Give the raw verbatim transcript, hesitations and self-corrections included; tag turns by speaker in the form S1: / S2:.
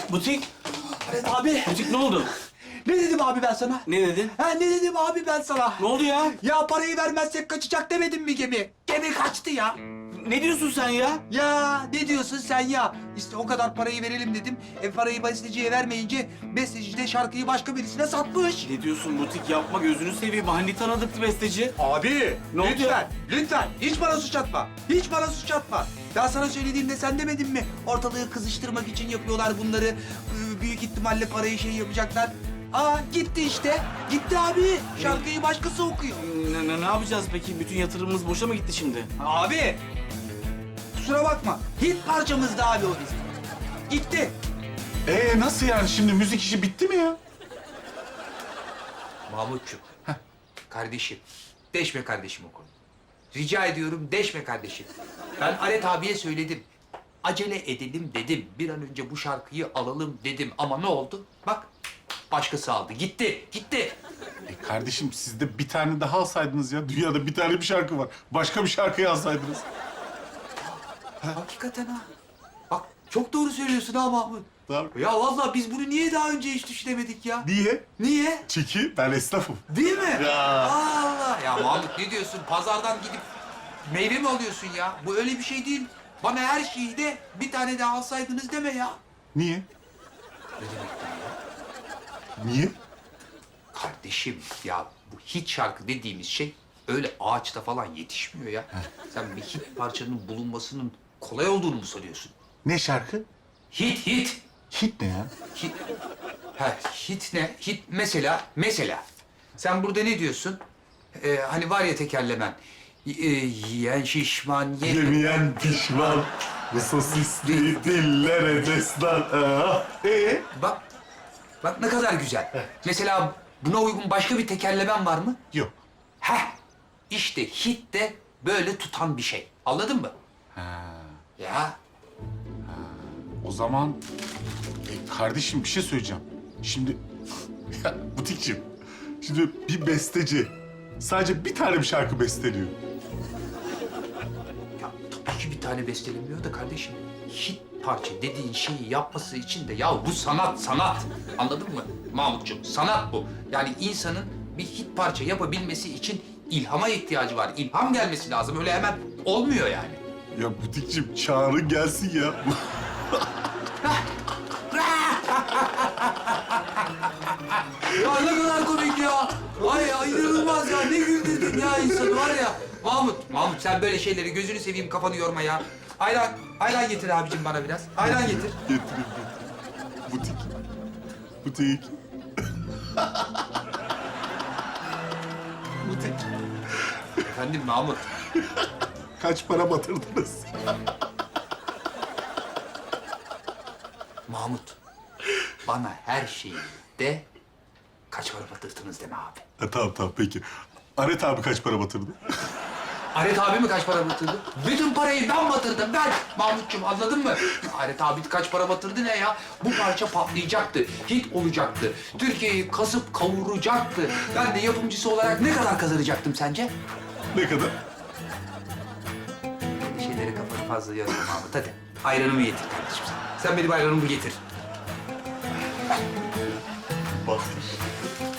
S1: Butik,
S2: Evet abi.
S1: butik ne oldu?
S2: Ne dedim abi ben sana?
S1: Ne dedin?
S2: Ha ne dedim abi ben sana?
S1: Ne oldu ya?
S2: Ya parayı vermezsek kaçacak demedim mi gemi? Gemi kaçtı ya.
S1: Ne diyorsun sen ya?
S2: Ya ne diyorsun sen ya? İşte o kadar parayı verelim dedim. E parayı besteciye vermeyince besteci de şarkıyı başka birisine satmış.
S1: Ne diyorsun butik yapma gözünü seveyim. Hani tanıdıktı besteci.
S2: Abi
S1: Ne oldu
S2: lütfen,
S1: ya?
S2: lütfen. Hiç bana suç atma. Hiç bana suç atma. Ben sana söylediğimde sen demedin mi? Ortalığı kızıştırmak için yapıyorlar bunları. Ee, Büyük ihtimalle parayı şey yapacaklar. Aa gitti işte. Gitti abi. Şarkıyı başkası okuyor.
S1: Ne, ne, ne yapacağız peki? Bütün yatırımımız boşa mı gitti şimdi?
S2: Abi. Kusura bakma. Hit parçamızdı abi o bizim. Gitti.
S3: Ee nasıl yani şimdi müzik işi bitti mi ya?
S2: Mahmutcuğum. Kardeşim. Deşme kardeşim o konu. Rica ediyorum deşme kardeşim. Ben Aret abiye söyledim. Acele edelim dedim. Bir an önce bu şarkıyı alalım dedim. Ama ne oldu? Bak başkası aldı. Gitti. Gitti.
S3: E kardeşim siz de bir tane daha alsaydınız ya. Dünyada bir tane bir şarkı var. Başka bir şarkıyı alsaydınız.
S2: Hakikaten ha. Bak çok doğru söylüyorsun ha Mahmut.
S3: Tabii.
S2: Ya vallahi biz bunu niye daha önce hiç düşünemedik ya?
S3: Niye?
S2: Niye?
S3: Çünkü ben esnafım.
S2: Değil mi?
S3: Ya.
S2: Allah! Ya Mahmut ne diyorsun? Pazardan gidip meyve mi alıyorsun ya? Bu öyle bir şey değil. Bana her şeyi de bir tane daha alsaydınız deme ya.
S3: Niye?
S2: Ne demektir ya?
S3: Niye?
S2: Kardeşim ya bu hit şarkı dediğimiz şey öyle ağaçta falan yetişmiyor ya. Sen bir hit parçanın bulunmasının kolay olduğunu mu sanıyorsun?
S3: Ne şarkı?
S2: Hit, hit.
S3: Hit ne ya?
S2: Hit. Ha, hit ne? Hit mesela, mesela. Sen burada ne diyorsun? Ee, hani var ya tekerlemen. Y- e, yiyen şişman, ye...
S3: Yemeyen pişman. Bu sosisli dillere destan. Aa. Ee?
S2: Bak, bak ne kadar güzel. Mesela buna uygun başka bir tekerlemen var mı?
S3: Yok.
S2: Heh, işte hit de böyle tutan bir şey. Anladın mı?
S3: Ha.
S2: Ya,
S3: O zaman e, kardeşim bir şey söyleyeceğim. Şimdi ya, butikçim. Şimdi bir besteci sadece bir tane bir şarkı besteliyor.
S2: ya tabii ki bir tane bestelemiyor da kardeşim. Hit parça dediğin şeyi yapması için de ya bu sanat, sanat. Anladın mı Mahmutcuğum? Sanat bu. Yani insanın bir hit parça yapabilmesi için ilhama ihtiyacı var. İlham gelmesi lazım. Öyle hemen olmuyor yani.
S3: Ya butikçim çağırın gelsin ya.
S2: Ya ne kadar komik ya. Ay ya inanılmaz ya. Ne güldürdün ya insanı var ya. Mahmut, Mahmut sen böyle şeyleri gözünü seveyim kafanı yorma ya. Ayran, ayran getir abicim bana biraz. Ayran getir.
S3: Getireyim getireyim. Butik. Butik. Butik.
S2: Efendim Mahmut.
S3: Kaç para batırdınız?
S2: Mahmut. Bana her şeyi de kaç para batırdınız deme abi.
S3: Ha, tamam tamam peki. Aret abi kaç para batırdı?
S2: Aret abi mi kaç para batırdı? Bütün parayı ben batırdım ben. Mahmutcuğum anladın mı? Aret abi kaç para batırdı ne ya? Bu parça patlayacaktı, hit olacaktı. Türkiye'yi kasıp kavuracaktı. Ben de yapımcısı olarak ne kadar kazanacaktım sence?
S3: Ne kadar?
S2: Bir şeylere kafanı fazla yorma Mahmut hadi. Ayranımı getir kardeşim sen. Sen benim ayranımı getir.
S3: Batır.